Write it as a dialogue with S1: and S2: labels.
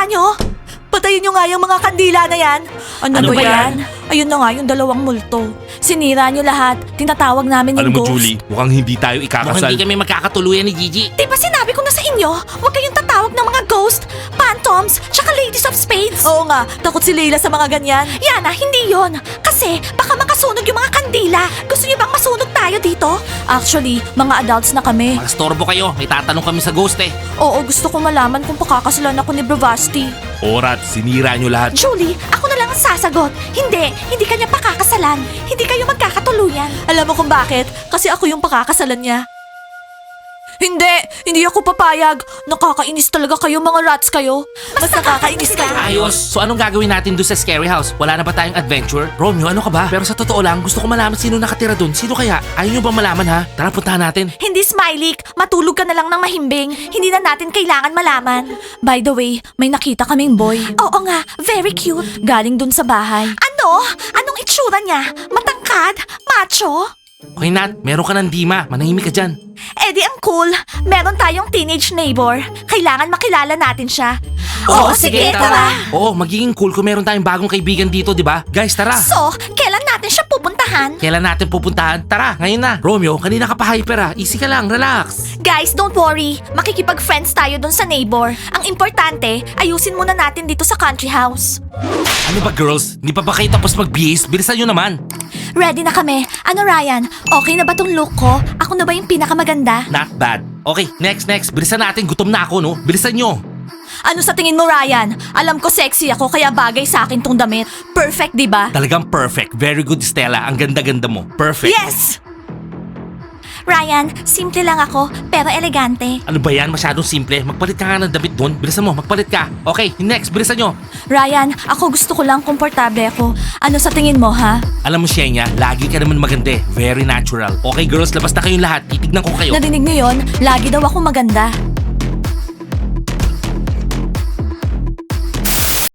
S1: Sinira nyo? Patayin nyo nga yung mga kandila na yan. Ano ba yan? Ayun na nga yung dalawang multo. Sinira nyo lahat. Tinatawag namin yung
S2: Alam mo,
S1: ghost.
S2: Julie, mukhang hindi tayo
S3: Mukhang
S2: ikakasal.
S3: hindi kami magkakatuluyan ni Gigi.
S1: Di ba sinabi ko na sa inyo, huwag kayong tatawag ng mga ghost, phantoms, tsaka ladies of spades? Oo nga, takot si Leila sa mga ganyan. Yana, hindi yon. Kasi baka makasunog yung mga kandila. Gusto niyo bang masunog tayo dito? Actually, mga adults na kami.
S3: Magastorbo kayo, may tatanong kami sa ghost eh.
S1: Oo, gusto ko malaman kung pakakasalan ako ni Bravasti.
S2: Orat, sinira nyo lahat.
S1: Julie, ako na lang ang sasagot. Hindi kanya pakakasalan. Hindi kayo magkakatuluyan. Alam mo kung bakit? Kasi ako yung pakakasalan niya. Hindi ako papayag. Nakakainis talaga kayo mga rats kayo. Mas nakakainis kayo.
S3: Ayos. So anong gagawin natin doon sa scary house? Wala na ba tayong adventure? Romeo, ano ka ba? Pero sa totoo lang, gusto ko malaman sino nakatira doon. Sino kaya? Ayaw nyo ba malaman ha? Tara, puntahan natin.
S1: Hindi, Smiley. Matulog ka na lang ng mahimbing. Hindi na natin kailangan malaman. By the way, may nakita kaming boy. Oo nga, very cute. Galing dun sa bahay. Ano? Anong itsura niya? Matangkad? Macho?
S3: Okay, Nat, meron ka ng Dima. Manahimik ka dyan.
S1: Eh di ang cool. Meron tayong teenage neighbor. Kailangan makilala natin siya. Oo, sige, tara.
S3: Oo, magiging cool kung meron tayong bagong kaibigan dito, di ba? Guys, tara.
S1: So, kailan natin siya pupuntahan?
S3: Kailan natin pupuntahan? Tara, ngayon na. Romeo, kanina ka pa hyper Easy ka lang, relax.
S1: Guys, don't worry. Makikipag-friends tayo dun sa neighbor. Ang importante, ayusin muna natin dito sa country house.
S3: Ano ba girls? Hindi pa ba kayo tapos mag-BS? Bilisan nyo naman.
S1: Ready na kami. Ano Ryan? Okay na ba tong look ko? Ako na ba yung pinakamaganda?
S3: Not bad. Okay, next. Bilisan natin. Gutom na ako, no? Bilisan nyo.
S1: Ano sa tingin mo Ryan? Alam ko sexy ako kaya bagay sa akin tong damit. Perfect, di ba?
S3: Talagang perfect. Very good, Stella. Ang ganda-ganda mo. Perfect.
S1: Yes! Ryan, simple lang ako, pero elegante.
S3: Ano ba yan? Masyadong simple. Magpalit ka nga ng damit doon. Bilisan mo, magpalit ka. Okay, next. Bilisan nyo.
S1: Ryan, ako gusto ko lang komportable ako. Ano sa tingin mo, ha?
S3: Alam mo, Shenya, lagi ka naman maganda eh. Very natural. Okay, girls, labas na kayong lahat. Titignan ko kayo.
S1: Narinig niyo yon? Lagi daw ako maganda.